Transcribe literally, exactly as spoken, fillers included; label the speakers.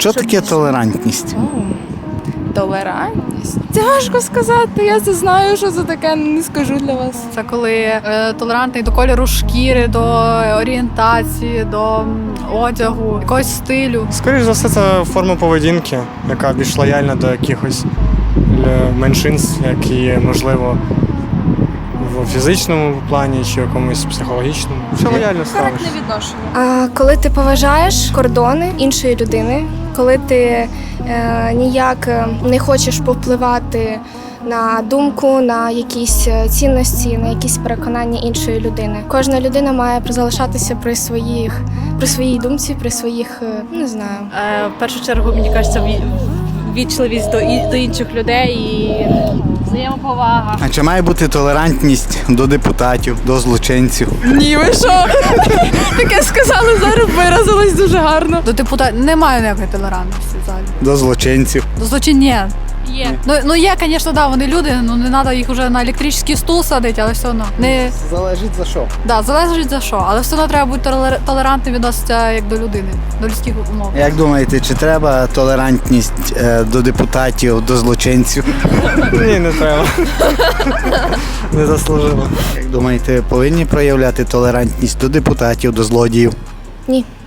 Speaker 1: Що таке толерантність?
Speaker 2: Толерантність? Це важко сказати, я це знаю, що це таке, не скажу для вас.
Speaker 3: Це коли е, толерантний до кольору шкіри, до орієнтації, до м, одягу, якогось стилю.
Speaker 4: Скоріше за все, це форма поведінки, яка більш лояльна до якихось е, меншинств, які, можливо, в фізичному плані чи в якомусь психологічному. Все лояльно ставиш.
Speaker 5: А коли ти поважаєш кордони іншої людини, коли ти е, ніяк е, не хочеш повпливати на думку, на якісь е, цінності, на якісь переконання іншої людини. Кожна людина має залишатися при своїх, при своїй думці, при своїх, е, не знаю.
Speaker 6: Е, в першу чергу, мені кажеться, ві- вічливість до, і- до інших людей і взаємоповага.
Speaker 1: А чи має бути толерантність до депутатів, до злочинців?
Speaker 2: Ні, ви що? Таке сказали, зараз виразилось дуже гарно.
Speaker 3: До депутатів немає ніякої толерантності взагалі.
Speaker 1: До злочинців?
Speaker 3: До злочин ні.
Speaker 6: Є.
Speaker 3: Ну, ну є, звісно, да, вони люди, ну не треба їх вже на електричний стул садити, але все одно. Не,
Speaker 1: Залежить за що?
Speaker 3: да, залежить за що, але все одно треба бути толер- толерантним відноситися як до людини, до людських умов.
Speaker 1: Як думаєте, чи треба толерантність е, до депутатів, до злочинців?
Speaker 4: Ні, не треба. Не заслужила.
Speaker 1: Як думаєте, повинні проявляти толерантність до депутатів, до злодіїв?
Speaker 5: Ні.